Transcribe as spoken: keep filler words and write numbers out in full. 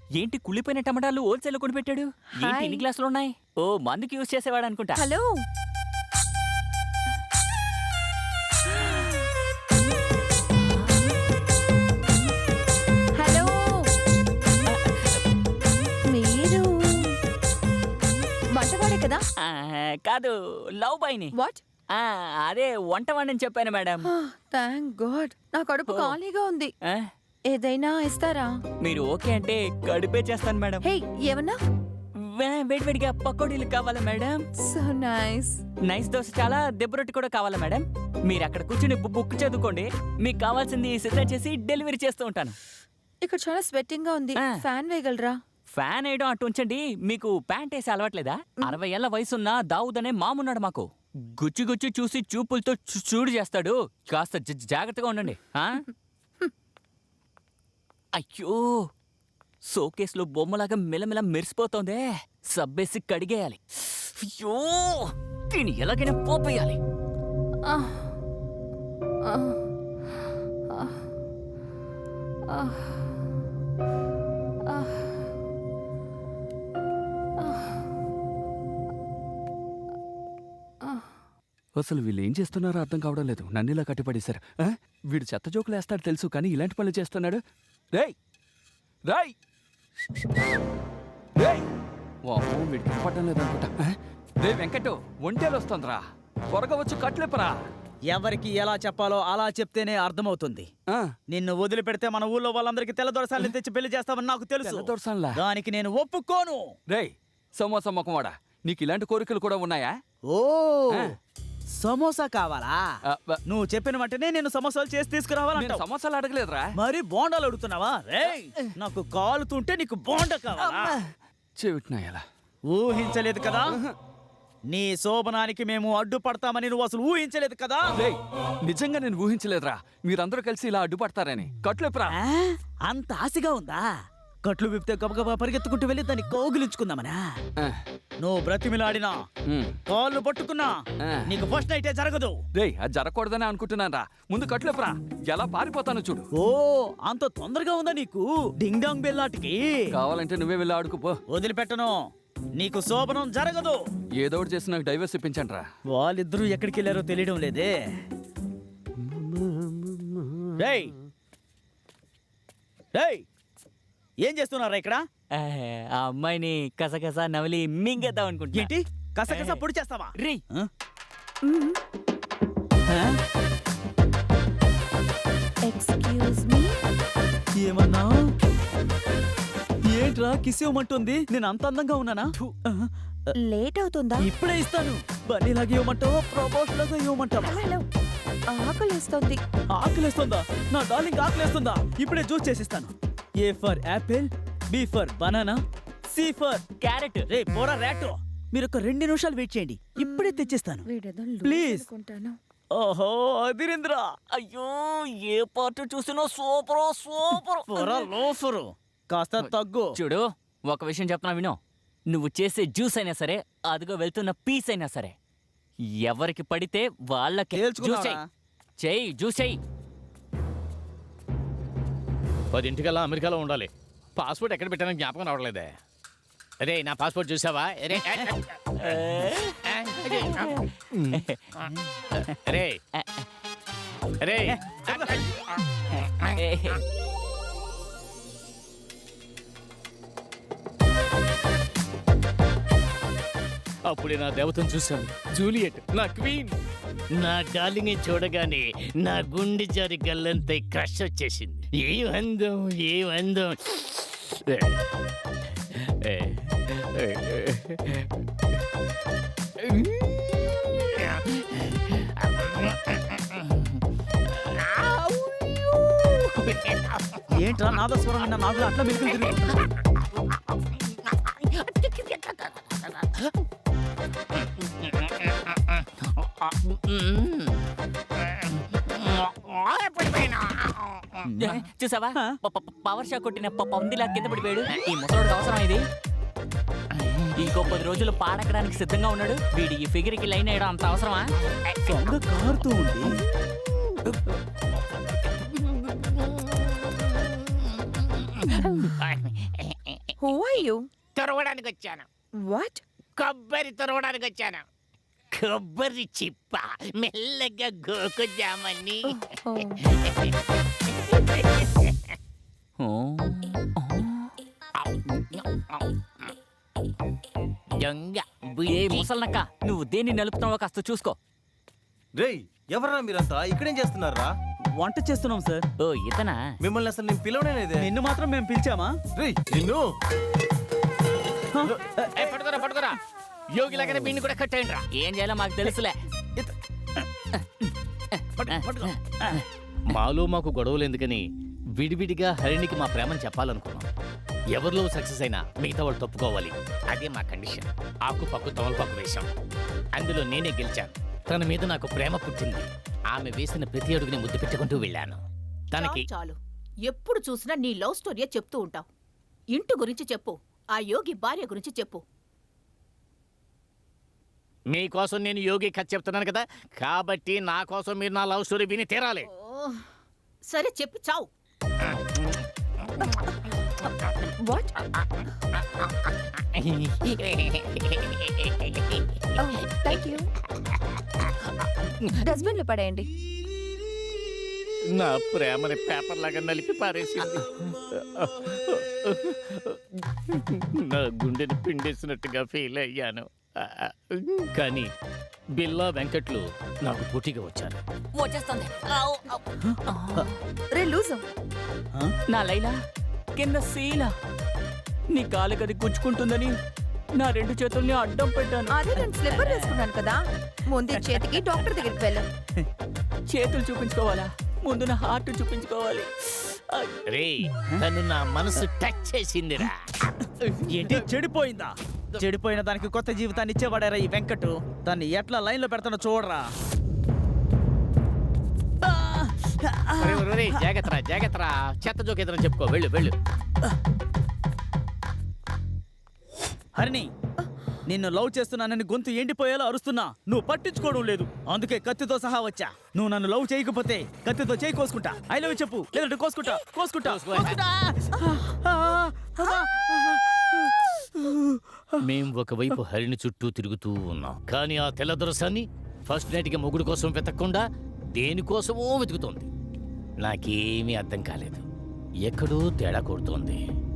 ఏంటి కుళ్ళిపోయిన టమాటాలు హోల్సేల్ కొని పెట్టాడు? ఏంటి ఎన్ని గ్లాసులు ఉన్నాయి? ఓ మందుకి యూజ్ చేసేవాడు అనుకుంటా. హలో హలో మీరు వంటవాడే కదా? ఆ, కాదు లవ్ బాయ్ని. వాట్? ఆ, అదే వంట వాడిని చెప్పాను మేడం. థ్యాంక్ గాడ్ నా కడుపు Oh. ఖాళీగా ఉంది. ఆ, ఏదైనా ఇస్తారా? మీరు ఓకే అంటే కడిపే చేస్తాను మేడం. హే ఏమన్నా? వే- వేడివేడిగా పకోడీలు కావాలా madam? So nice. Nice dosa చాలా, దెబ్బ రొట్టి కూడా కావాలా మేడం? మీరు అక్కడ కూర్చుని బు- బుక్ చదువుకోండి, మీకు కావాల్సింది సిద్ధం చేసి డెలివరీ చేస్తూ ఉంటాను. ఇక్కడ చాలా స్వెట్టింగ్ గా ఉంది. ఆ. ఫ్యాన్ వేయగలరా? ఫ్యాన్ వేయడం అటు ఉంచండి, మీకు ప్యాంట్ వేసి అలవాట్లేదా? అరవై ఏళ్ల వయసున్న దావుద్ అనే మామున్నాడు మాకు. గుచ్చి గుచ్చి చూసి చూపులతో చూ- చూడు చేస్తాడు. కాస్త జ- జాగ్రత్తగా ఉండండి. ఆ? అయ్యో, షోకేస్లో బొమ్మలాగా మెల్లమెల్ల మెరిసిపోతోందే. సబ్బేసి కడిగేయాలి. అయ్యో, దీన్ని ఎలాగైనా పోపేయాలి. ఆ. ఆ. ఆ. ఆ. ఆ. అసలు వీళ్ళు ఏం చేస్తున్నారో అర్థం కావడం లేదు. నన్ను ఇలా కట్టిపడేశారు. ఆ? వీడు చెత్త జోకులు వేస్తాడు తెలుసు, కానీ ఇలాంటి పనులు చేస్తున్నాడు. రేయ్ రాయ్ రేయ్ వామో, వీడికి కనపడడం లేదనుకుంటా. ఆ? రే వెంకటు, ఒంటేలు వస్తుందిరా, త్వరగా వచ్చి కట్లేపరా. ఎవరికి ఎలా చెప్పాలో అలా చెప్తేనే అర్థమవుతుంది. ఆ, నిన్ను వదిలిపెడితే మన ఊళ్ళో వాళ్ళందరికీ తెల్ల దొరసాలని తెచ్చి పెళ్లి చేస్తామని నాకు తెలుసు. తెల్లదొరసాన్లా? దానికి నేను ఒప్పుకోను. రేయ్ సమోసా మొక్కవాడా, నీకు ఇలాంటి కోరికలు కూడా ఉన్నాయా? ఓ ఆ. సమోసా కావాలా? ఆ, బ- నువ్వు చెప్పిన వెంటనే నేను సమోసాలు చేసి నేను తీసుకురావాలంటావు. సమోసాలు అడగలేదురా. మరి బోండాలు అడుగుతున్నావా? రేయ్, నాకు కాలుతుంటే నీకు బోండా కావాలా? చెవిటినా ఎలా? ఊహించలేదు కదా నీ శోభనానికి మేము అడ్డుపడతామని నువ్వు అసలు ఊహించలేదు కదా. రేయ్ నిజంగా నేను ఊహించలేదురా మీరందరూ కలిసి ఇలా అడ్డుపడతారని. కట్లేపురా. ఆ? అంత ఆశగా ఉందా? కట్లు విప్పితే గబగబా పరిగెత్తుకుంటూ వెళ్ళి దాన్ని కౌగిలించుకుందామనా? ఆ, నువ్వు బ్రతిమిలాడినా ఉమ్. కాళ్ళు పట్టుకున్నా ఆ. నీకు ఫస్ట్ నైటే జరగదు. రేయ్ అది జరగకూడదని అనుకుంటున్నాను రా. ముందు కట్లేపురా, ఎలా పారిపోతాను చూడు. ఓ అంత తొందరగా ఉందా నీకు? డింగ్ డాంగ్ బెల్లాటికి కావాలంటే నువ్వే వెళ్ళి ఆడుకుపో. వదిలిపెట్టను. నీకు శోభనం జరగదు. ఏదో ఒకటి చేసి నాకు డైవర్స్ ఇప్పించండి రా. వాళ్ళిద్దరూ ఎక్కడికి వెళ్ళారో తెలియడం లేదే. రేయ్ రేయ్ ఏం చేస్తున్నారా ఇక్కడ? ఆ, ఆ అమ్మాయిని కసకస నవలి మింగేద్దాం అనుకుంటున్నా. ఏంటి కసకస పొడి చేస్తావా? రే, ఆ? మ్మ్. ఆ? Excuse me. ఏమన్నా? ఏంట్రా కిస్ ఇవ్వమంటుంది? నేను అంత అందంగా ఉన్నానా? ఆ, లేట్ అవుతుందా? ఇప్పుడే ఇస్తాను. బన్నీలాగా ఇవ్వమంటావా, ప్రమోషన్ లాగా ఇవ్వమంటావా? హలో ఆకలిస్తోంది. ఆకలేస్తుందా? నా డార్లింగ్ ఆకలేస్తుందా? ఇప్పుడే జ్యూస్ చేసిస్తాను. A for apple, B for banana, C for carrot. రే పోరా ర్యాటో. మీరు ఒక రెండు నిమిషాలు వెయిట్ చేయండి, ఇప్పుడే తెచ్చిస్తాను. వీడేదో Please. అనుకుంటాను. ఓహో అదిరింద్ర. అయ్యో, ఏ పార్ట్ చూసినా సూపర్ సూపర్. పోరా లోఫరు, కాస్త తగ్గు. చూడు, ఒక విషయం చెప్తున్నా విను. నువ్వు చేసే జ్యూస్ అయినా సరే, అదిగో వెళ్తున్న పీస్ అయినా సరే, ఎవరికి పడితే వాళ్ళకి జ్యూస్ తేల్చుకున్నావా? చెయ్యి. చెయ్యి జ్యూస్ చెయ్యి. పదింటికల్లా అమెరికాలో ఉండాలి. పాస్పోర్ట్ ఎక్కడ పెట్టానో జ్ఞాపకం రావట్లేదే. అరే నా పాస్పోర్ట్ చూసావా? అరే అరే అరే అప్పుడే నా దేవతను చూశాను, జూలియట్, నా క్వీన్. నా డార్లింగ్ చూడగానే నా గుండె జారి గల్లంతా క్రష్ వచ్చేసింది. ఏ అందం, ఏ అందం. ఏ, ఏ, ఏంట్రా నాదస్వరం విన్న నాగులు అట్లా మెలుకులు తిరుగుతున్నా? చూసావా, ప- ప- పవర్ షాక్ కొట్టిన ప- పందిలా కింద పడిపోయాడు. ఈ ముసలోడికి అవసరం ఇది. ఇంకో పది రోజులు పాడకడానికి సిద్ధంగా ఉన్నాడు. వీడి ఈ ఫిగర్ కి లైన్ వేయడం అంత అవసరమా? దొంగ కారుతూ ఉంది. Who are you? తొరవడానికి వచ్చాను. వాట్? కొబ్బరి తొరవడానికి వచ్చాను. కొబ్బరి చిప్ప మెల్లగా గోకుజామని. ఓ, దొంగ ఏ బుద్ధి. ముసల్నక్క నువ్వు దేన్ని నలుపుతున్నావో కాస్త చూసుకో. రేయ్ ఎవర్రా మీరంతా ఇక్కడేం చేస్తున్నారా? వంట చేస్తున్నాం సార్. ఓ ఇతనా? మిమ్మల్ని అసలు నేను పిలవనేదే. నిన్ను మాత్రం మేము పిలిచామా? రేయ్ నిన్ను ఏ, పట్టుకోరా పట్టుకోరా. యోగి లాగానే బిన్ని కూడా కట్టేయండి రా. ఏం చేయాలో మాకు తెలుసులే. మాలో మాకు గొడవలు ఎందుకని విడివిడిగా హరిణికి మా ప్రేమను చెప్పాలనుకున్నాం. ఎవరిలో సక్సెస్ అయినా మిగతా వాళ్ళు తప్పుకోవాలి. అదే మా కండిషన్. ఆకు పక్కు తమలపాకు వేశాం. అందులో నేనే గెలిచాను. తన మీద నాకు ప్రేమ పుట్టింది. ఆమె వేసిన ప్రతి అడుగుని ముద్దు పెట్టుకుంటూ వెళ్ళాను. తనకి చాలు చాలు. ఎప్పుడు చూసినా నీ లవ్ స్టోరీయే చెప్తూ ఉంటావు. ఇంటి గురించి చెప్పు, ఆ యోగి భార్య గురించి చెప్పు. మీకోసం నేను యోగి కథ చెప్తున్నాను కదా, కాబట్టి నా కోసం మీరు నా లవ్ స్టోరీ విని తీరాలి. ఓ, సరే చెప్పి చావు. వాట్? Thank you. డస్ట్బిన్ లో పడేయండి. నా ప్రేమని పేపర్ లాగా నలిపి పారేసింది. నా గుండెని పిండేసినట్టుగా ఫీల్ అయ్యాను. కానీ బిల్లా వెంకట్లు నాకు పోటీగా వచ్చారు. వచ్చేస్తుంది. ఆవ్, ఆవ్. రే లూజు. నా లైలా కింద శీల నీ కాలు గది గుచ్చుకుంటుందని నా రెండు చేతుల్ని అడ్డం పెట్టాను. అదే నేను స్లిప్పర్ వేసుకున్నాను కదా. ముందు ఈ చేతికి డాక్టర్ దగ్గరికి వెళ్ళు. చేతులు చూపించుకోవాలా? ముందు నా హార్ట్ చూపించుకోవాలి. రే తను నా మనసు టచ్ చేసిందిరా. ఏంటి చెడిపోయిందా? చెడిపోయిన దానికి కొత్త జీవితాన్ని ఇచ్చేవాడారా ఈ వెంకట్. దాన్ని ఎట్లా లైన్ లో పెడతానో చూడరా. ఒరేయ్, ఒరేయ్, ఒరేయ్, జాగ్రత్తరా జాగ్రత్తరా. చెత్త జోక్ ఏదైనా చెప్పుకో. వెళ్ళు వెళ్ళు. హరిణి, నిన్ను లవ్ చేస్తున్నానని గొంతు ఎండిపోయేలా అరుస్తున్నా నువ్వు పట్టించుకోవడం లేదు. అందుకే కత్తితో సహా వచ్చా. నువ్వు నన్ను లవ్ చేయకపోతే కత్తితో చేయి కోసుకుంటా. ఐ లవ్ చెప్పు, లేదంటే కోసుకుంటా కోసుకుంటా కోసుకో. కోసుకుంటా. మేం ఒకవైపు హరిణి చుట్టూ తిరుగుతూ ఉన్నాం. కానీ ఆ తెల్లదొరసాన్ని ఫస్ట్ నైట్ కి మొగుడు కోసం వెతకకుండా దేనికోసమో వెతుకుతోంది. నాకేమీ అర్థం కాలేదు. ఎక్కడో తేడా కొడుతోంది.